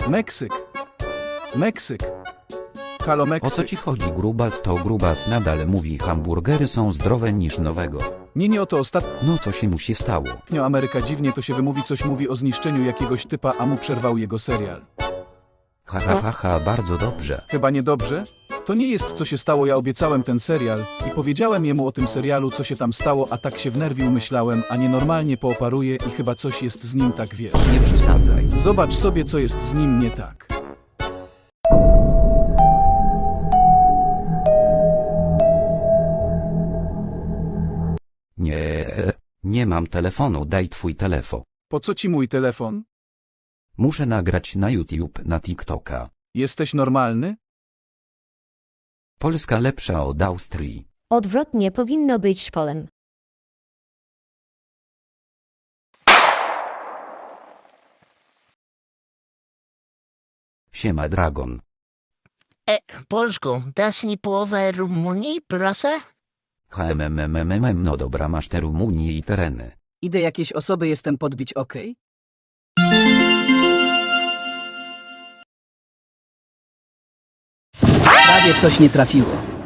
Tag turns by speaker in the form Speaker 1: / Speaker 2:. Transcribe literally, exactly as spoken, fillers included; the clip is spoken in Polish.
Speaker 1: Meksyk. Meksyk. Halo,
Speaker 2: O co
Speaker 1: Meksyk.
Speaker 2: ci chodzi, grubas? To grubas nadal mówi, hamburgery są zdrowe niż nowego.
Speaker 1: Nie, nie o to ostatnio
Speaker 2: No co się mu się stało?
Speaker 1: Ameryka dziwnie to się wymówi, coś mówi o zniszczeniu jakiegoś typa, a mu przerwał jego serial.
Speaker 2: Ha ha ha ha, bardzo dobrze.
Speaker 1: Chyba niedobrze? To nie jest co się stało, ja obiecałem ten serial i powiedziałem jemu o tym serialu, co się tam stało, a tak się wnerwił, myślałem, a nienormalnie pooparuje i chyba coś jest z nim tak, wiesz.
Speaker 2: Nie przesadzaj.
Speaker 1: Zobacz sobie, co jest z nim nie tak.
Speaker 2: Nie, nie mam telefonu, daj twój telefon.
Speaker 1: Po co ci mój telefon?
Speaker 2: Muszę nagrać na YouTube, na TikToka.
Speaker 1: Jesteś normalny?
Speaker 2: Polska lepsza od Austrii.
Speaker 3: Odwrotnie powinno być szpolem.
Speaker 2: Siema Dragon.
Speaker 4: E, Polsku, dasz mi połowę Rumunii, proszę?
Speaker 2: HMMMMM, no dobra, masz te Rumunii i tereny.
Speaker 5: Idę jakieś osoby jestem podbić, okej? Prawie coś nie trafiło.